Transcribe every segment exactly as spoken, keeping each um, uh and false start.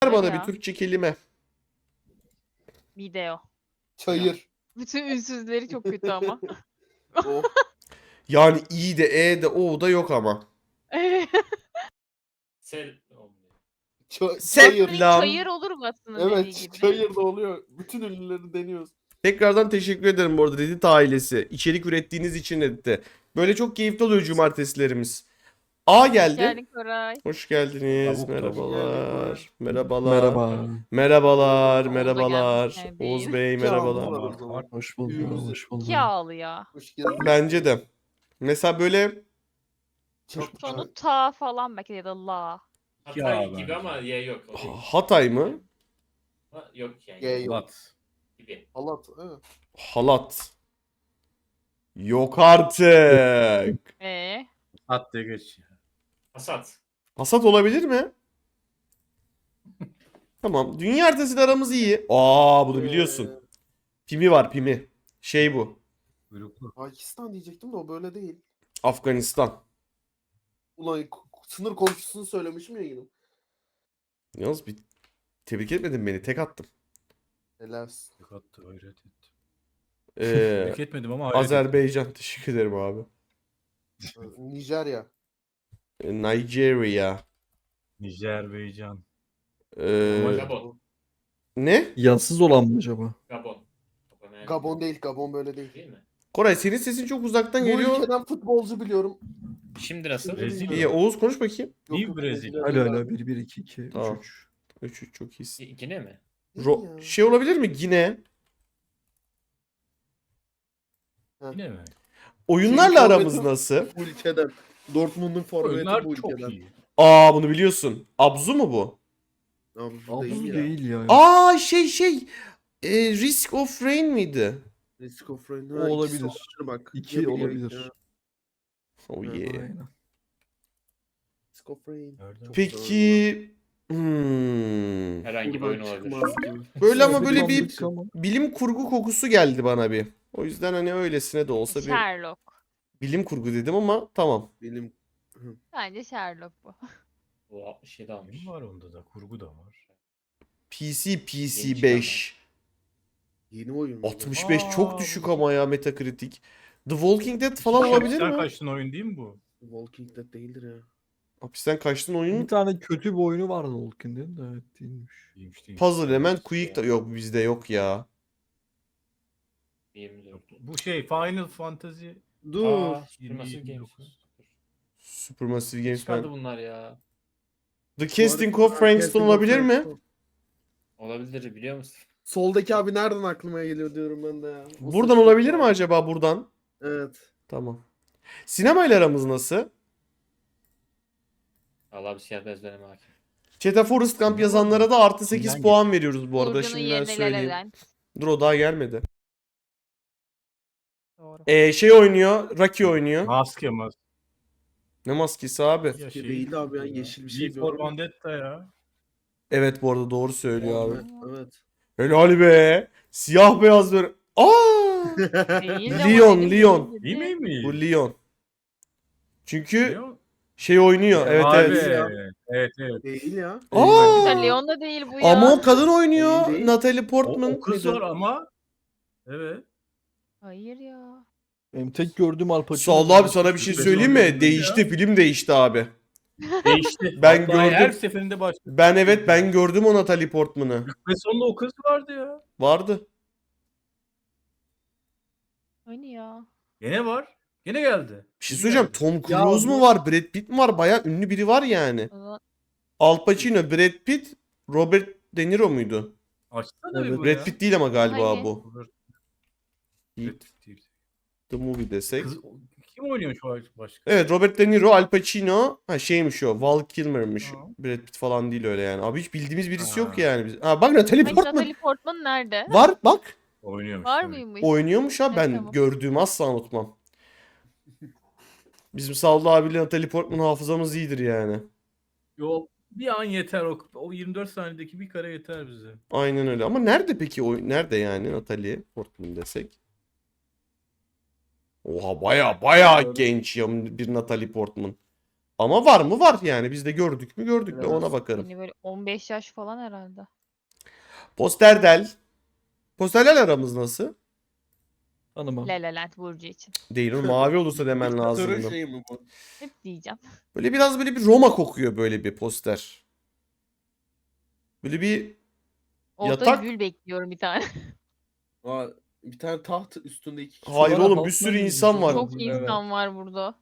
Ver bana Ya. bir Türkçe kelime. Video. Çayır. Bütün ünsüzleri çok kötü ama. Oh. Yani i de e de o da yok ama. Sel olmuyor. Ça- Sen- çayır. Hani Lan. çayır olur mu aslında dediği Evet, gibi? çayır da oluyor. Bütün ünlüleri deniyoruz. Tekrardan teşekkür ederim bu arada Reddit ailesi. İçerik ürettiğiniz için Reddit'te. Böyle çok keyifli oluyor cumartesilerimiz. A geldi. Geldin Koray. Hoş geldiniz. Tavuk, Merhabalar. Merhabalar. Merhaba. Merhabalar. Oğuz da Merhabalar. gelmiş, Oğuz değil. Bey İki merhabalar. ağzı var o zaman. Hoş bulduk. Büyüğümüzü- Hoş bulduk. İki ağlı ya. Hoş geldin. Bence de. Mesela böyle Çok Sonu ta falan belki ya da la. Hatay Ya gibi bence. ama Y yok. O değil. Hatay mı? Ha, yok yani. Y yok. Lat. Gibi. Halat. Evet. Halat. Yok artık. Ee, At de geç. Hasat. Hasat olabilir mi? Tamam. Dünya haritasıyla aramız iyi. Aa bunu biliyorsun. Ee, Pimi var pimi. Şey bu. Kuyruklu. Pakistan diyecektim de o böyle değil. Afganistan. Ulan k- sınır komşusunu söylemişim ya yine. Yalnız bir tebrik etmedin beni. Tek attım. Helal. Tek attı hayret ettim. Ee, Tebrik etmedim ama hayret ettim. Azerbaycan. Teşekkür ederim abi. Ee, Nijerya. Ee, Nigeria. Nijerbaycan. Ee, Gabon. ne? Yansız olan mı acaba? Gabon. Gabon, yani. Gabon değil. Gabon böyle değil. Değil mi? Koray senin sesin çok uzaktan Bu geliyor. ülkeden futbolcu biliyorum. Şimdi nasıl? Brezilya. İyi Oğuz konuş bakayım. Yok, Değil yok, Brezilya. Brezilya Hala değil hala bir bir iki iki üç Tamam. üç. üç üç çok iyisin. Y- Yine mi? abi. Ro- Değil ya. şey olabilir mi? Yine. Yine mi? Oyunlarla Senin aramız forvetin- nasıl? Bu ülkeden. Dortmund'un forveti Oyunlar bu çok ülkeden. iyi. Aa bunu biliyorsun. Abzu mu bu? Abi, bu Abuz değil ya. değil ya. Aa şey şey. E, Risk of Rain miydi? Risk of Rain. O Ha, ikisi olabilir. olabilir bak. İki Ne biliyor olabilir. ya? Oh Evet, yeah. Aynen. Risk of Rain. Nereden? Çok Peki hmm. Herhangi bir Buradan oyun olabilir. çıkmaz gibi. Böyle ama böyle bir Sandık ama. bilim kurgu kokusu geldi bana bir. O yüzden hani öylesine de olsa bir Sherlock. bilim kurgu dedim ama tamam. Benim Bence Sherlock bu. O altmış yedi almış. Oyun var onda da. Kurgu da var. P C P C Yeni beş. yeni oyun. bu. altmış beş Aa, çok bu düşük şey- ama ya Metacritic. The Walking Dead falan olabilir Sen mi? kaçtın oyun değil mi bu? Walking Dead değildir ya. Hapisten kaçtın oyun. Bir tane kötü bir oyunu vardı Walking Dead'in de evet değilmiş. Değilmiş değilmiş. Puzzle Element Quick da yok bizde yok ya. yirmi dört. Bu şey Final Fantasy Dur. Aa, yirmi Supermassive yedi Games. dokuz. Supermassive Games Çıkardı ben. bunlar ya. The Casting of Frankston olabilir mi? Olabilir biliyor musun? Soldaki abi nereden aklıma geliyor diyorum ben de ya. O Buradan saçma olabilir mi sapan. acaba buradan? Evet. Tamam. Sinemayla aramız nasıl? Allah bir siyah bezlerime hakim. Chat'e Forest Gump yazanlara da artı sekiz Kimden puan veriyoruz bu arada. Burcu'nun Şimdiden yerine söyleyeyim. eden. Dur o daha gelmedi. Doğru. Ee, şey oynuyor. Rocky oynuyor. Maske mas. Ne maskesi abi? Ya Maske değil abi ya, ya. yeşil bir şey V for gördüm. Vendetta ya. Evet bu arada doğru söylüyor abi. Evet. evet. Helal be. Siyah beyaz böyle. Aa! Değil ama Leon, dedim, Leon. değil Değil dedi. mi mi? Bu Leon. Çünkü Biliyor musun? şey oynuyor. Evet Abi, evet. evet evet. Değil ya. Aa! Mesela Leon da değil bu ya. Ama o kadın oynuyor. Değil, değil. Natalie O, Portman. o kız mıydı? var ama. Evet. Hayır ya. Benim tek gördüğüm Al Pacino. Sağ abi sana bir şey söyleyeyim mi? Değişti film değişti abi. Değişti. Ben Hatta gördüm. Her seferinde başka. Ben evet ben gördüm o Natalie Portman'ı. Ve sonunda o kız vardı ya. Vardı. Hani ya. Gene var. Gene geldi. Bir şey söyleyeceğim. Tom Ya Cruise mu bu- var? Brad Pitt mi var? Bayağı ünlü biri var yani. O zaman Al Pacino, Brad Pitt, Robert De Niro muydu? Açsana bir Evet. bu Brad ya. Pitt değil ama galiba Hangi? bu. Robert- Heat Brad Pitt değil. the Movie desek. Kız, kim oynuyor şu an başka? Evet Robert De Niro, Al Pacino. Ha şeymiş o. Val Kilmer'mış. Ha. Brad Pitt falan değil öyle yani. Abi hiç bildiğimiz birisi Ha. yok yani. Biz- Ha bak Natalie Hani Portman. Natalie Portman nerede? Var bak. Oynuyormuş. Var tabii. mıymış? Oynuyormuş ha. Ben tamam. gördüğümü asla unutmam. Bizim Sallı abiyle Natalie Portman hafızamız iyidir yani. Yo, bir an yeter o. O yirmi dört saniyedeki bir kare yeter bize. Aynen öyle. Ama nerede peki o? Nerede yani Natalie Portman desek? Oha baya baya genç ya bir Natalie Portman. Ama var mı? Var yani. Biz de gördük mü? Gördük de ona bakarım. Hani böyle on beş yaş falan herhalde. Posterdel. Posterler aramız nasıl? Tanımam. La La Land Burcu için. Değil o mavi olursa demen Diktatörün lazımdı. şeyi mi bu? Hep diyeceğim. Böyle biraz böyle bir Roma kokuyor böyle bir poster. Böyle bir Orada Yatak- gül bekliyorum bir tane. Aa, bir tane taht üstünde iki kişi. hayır Sonra oğlum bir Batman sürü gibi insan bir var. şey Çok Evet. insan var burada.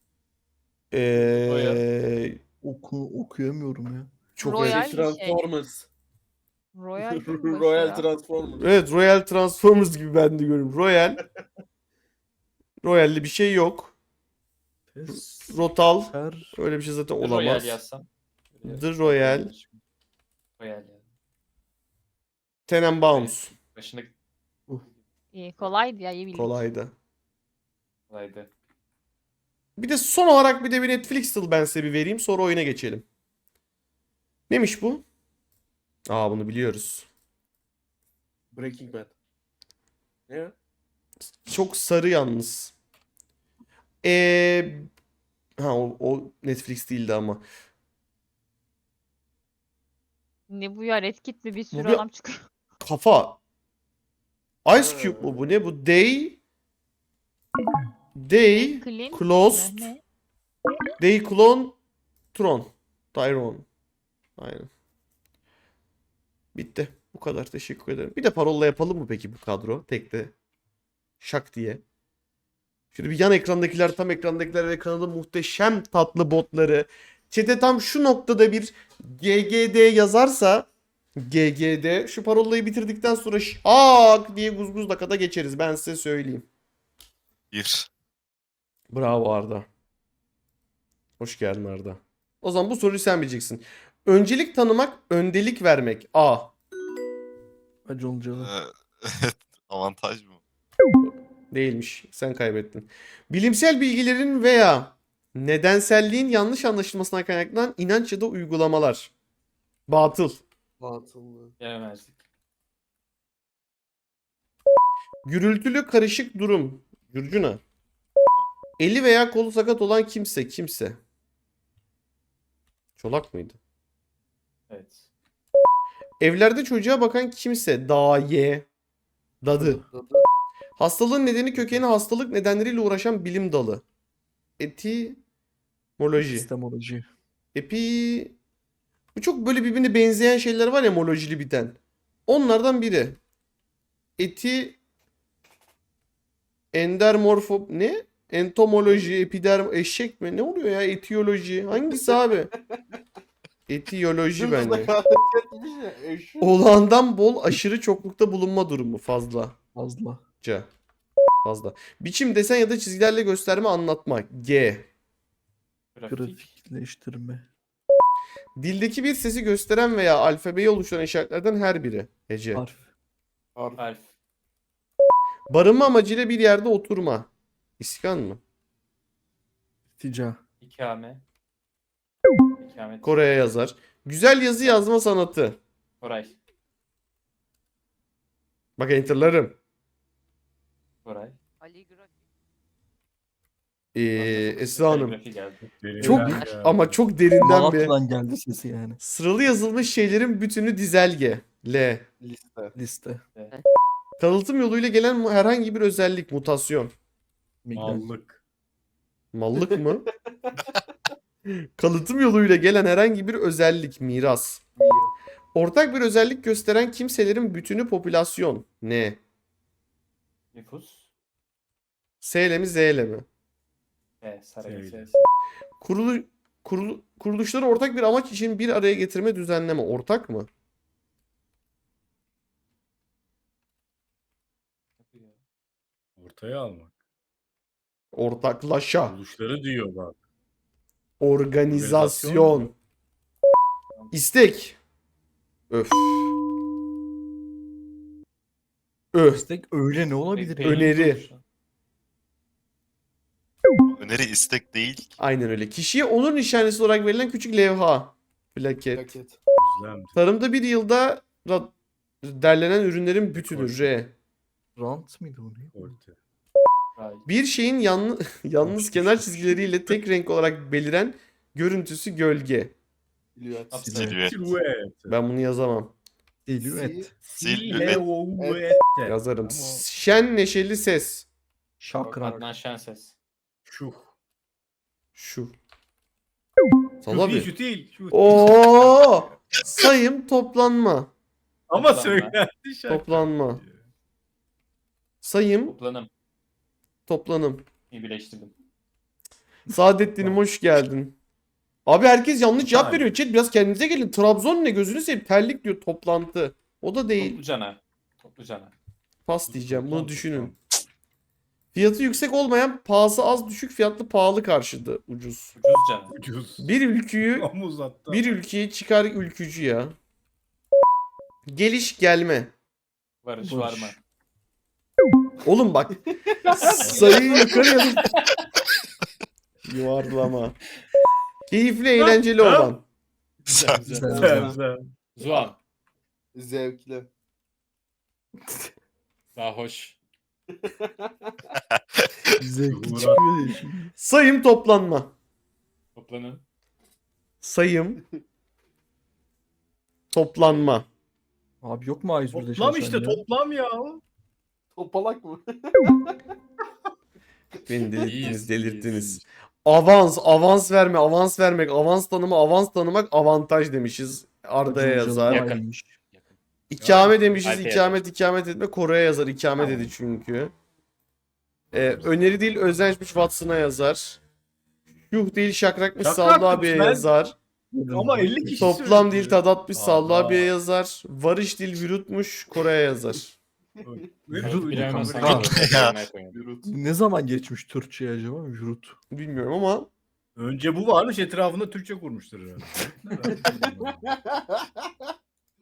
Ee, Oku, okuyamıyorum ya. çok Royal evet. bir şey. Transformers. Royal değil mi başı Royal ya? Transformers. Evet Royal Transformers gibi ben de görüyorum. Royal. Royal'li bir şey yok. Test. Rotal. Her Öyle bir şey zaten Royal olamaz. yazsam. The Royal. Royal yani. Tenenbaums. Başında İyi, kolaydı ya iyi bildik. Kolaydı. kolaydı. Bir de son olarak bir de bir Netflix tıl ben size bir vereyim. Sonra oyuna geçelim. Neymiş bu? Aa bunu biliyoruz. Breaking Bad. Ne? Çok sarı yalnız. Ee, ha o, o Netflix değildi ama. Ne bu ya, Red Kit mi, bir sürü bir- adam çıkıyor. Kafa. Ice Cube mu bu? Ne bu? Day Day Clean Closed mi? Ne? Day Clone Tron Tyrone. Aynen. Bitti. Bu kadar. Teşekkür ederim. Bir de parolla yapalım mı peki bu kadro? Tekte. Şak diye. Şöyle bir yan ekrandakiler, tam ekrandakiler ve kanalın muhteşem tatlı botları. Chat'e tam şu noktada bir G G D yazarsa G G D şu parolayı bitirdikten sonra şak diye guzguz dakikada geçeriz. Ben size söyleyeyim. Bir. Bravo Arda. Hoş geldin Arda. O zaman bu soruyu sen bileceksin. Öncelik tanımak, öndelik vermek. A. Acı olacağı. Ee, avantaj mı? Değilmiş. Sen kaybettin. Bilimsel bilgilerin veya nedenselliğin yanlış anlaşılmasına kaynaklanan inanç ya da uygulamalar. Batıl. Batıllı. Gelemezdik. Gürültülü karışık durum. Gürcüna. Eli veya kolu sakat olan kimse. Kimse. Çolak mıydı? Evet. Evlerde çocuğa bakan kimse. Daye. Dadı. Dadı. Hastalığın nedeni kökeni hastalık nedenleriyle uğraşan bilim dalı. Etimoloji. Sistemoloji. Epi... Bu çok böyle birbirine benzeyen şeyler var ya molojili biten. Onlardan biri. Eti... Endermorfo... Ne? Entomoloji, epiderm... Eşek mi? Ne oluyor ya? Etiyoloji. Hangisi abi? Etiyoloji Dümdüz bence. hareket etmiş ya. Eşek. Olağandan bol aşırı çoklukta bulunma durumu fazla. Fazla. C. Fazla. Biçim, desen ya da çizgilerle gösterme, anlatma. G. Grafik. Grafikleştirme. Dildeki bir sesi gösteren veya alfabeyi oluşturan işaretlerden her biri. Hece. Harf. Harf. Harf. Barınma amacıyla bir yerde oturma. İskan mı? Tica. İkame. İkamet. Kore'ye yazar. Güzel yazı yazma sanatı. Koray. Bak enterlarım. Koray. Ee, Esra Hanım. Kaligrafi geldi. Çok ama çok derinden bir. Malatya'dan geldi sesi yani. Sıralı yazılmış şeylerin bütünü dizelge. L. Liste. Liste. Kalıtım yoluyla gelen mu- herhangi bir özellik. Mutasyon. Migren. Mallık. Mallık mı? Kalıtım yoluyla gelen herhangi bir özellik. Miras. Ortak bir özellik gösteren kimselerin bütünü popülasyon. Ne? Nüfus. S ile mi Z ile mi? E, Saraybosna. Söyle. Kurulu, kurulu, kuruluşları ortak bir amaç için bir araya getirme, düzenleme. Ortak mı? Ortaya almak. Ortaklaşa. Buluşları diyor bak. Organizasyon. İstek. Öf. Öf. İstek öyle ne olabilir? Belli Öneri. bir oluşan. Öneri istek değil ki. Aynen öyle. Kişiye onur nişanesi olarak verilen küçük levha. Plaket. Paket. Özlem. Tarımda bir yılda ra- derlenen ürünlerin bütünü. R. Rant mıydı o ne? Orta. Ray. Bir şeyin yanlı, yalnız kenar çizgileriyle tek renk olarak beliren Görüntüsü gölge. Silüet. Silüet. Silüet. Ben bunu yazamam. Silüet. Silüet. Silüet. Yazarım. Ama Şen neşeli ses. Şakrak. Adnan Şenses. Şu. Şu. Şu Salla değil, bir. şu değil. Şu. Oo! Sayım toplanma. Ama Toplanma. söylendi şarkı. Toplanma. Sayım Toplanım. toplanım. İyi birleştirdim. Saadettin'im hoş geldin. Abi herkes yanlış cevap Hayır. veriyor. Chat biraz kendinize gelin. Trabzon ne gözünü seveyim. Terlik diyor toplantı. O da değil. Toplucana. Toplucana. Pas diyeceğim. Bunu Toplantı, düşünün. Fiyatı yüksek olmayan, pahası az, düşük fiyatlı, pahalı karşıdı. Ucuz. Ucuzcana. Ucuz. Bir ülküyü Ama uzattı. bir ülkeye çıkar ülkücü ya. Geliş gelme. Varış Boş. var mı? Oğlum bak. Sayıyı yukarı yazıp yuvarlama. Keyifli, eğlenceli Tamam. olan. Sen- Güzel, Güzel, güzel. güzel. Zuan. Zevkli. Daha hoş. Zevkli Uğra- çıkıyor diye şimdi. Sayım toplanma. Toplanın. Sayım toplanma. Abi yok mu A yüz birde Toplam çalışan işte ya? toplam ya. Topalak mı? Beni delirttiniz, İyiyiz, delirttiniz. iyiyiz. Avans, avans verme, avans vermek, avans tanıma, avans tanımak avantaj demişiz. Arda'ya Acun yazar. Can'ın Yakın. aynıymış. İkame demişiz. Alp'e ikamet ikamet etme. Kore'ye yazar. İkame dedi çünkü. Ee, öneri değil özençmiş Watson'a yazar. Yuh değil şakrakmış Şakrak Sallı abiye demiş, ben- yazar. Ama elli kişi Toplam söyledi. değil tadatmış Sallı Allah. abiye yazar. Varış değil vürutmuş Kore'ye yazar. Vücut Bilemem kamera- sanki. Yürüt. Ne zaman geçmiş Türkçe acaba? Jurut. Bilmiyorum ama Önce bu varmış etrafında Türkçe kurmuştur herhalde.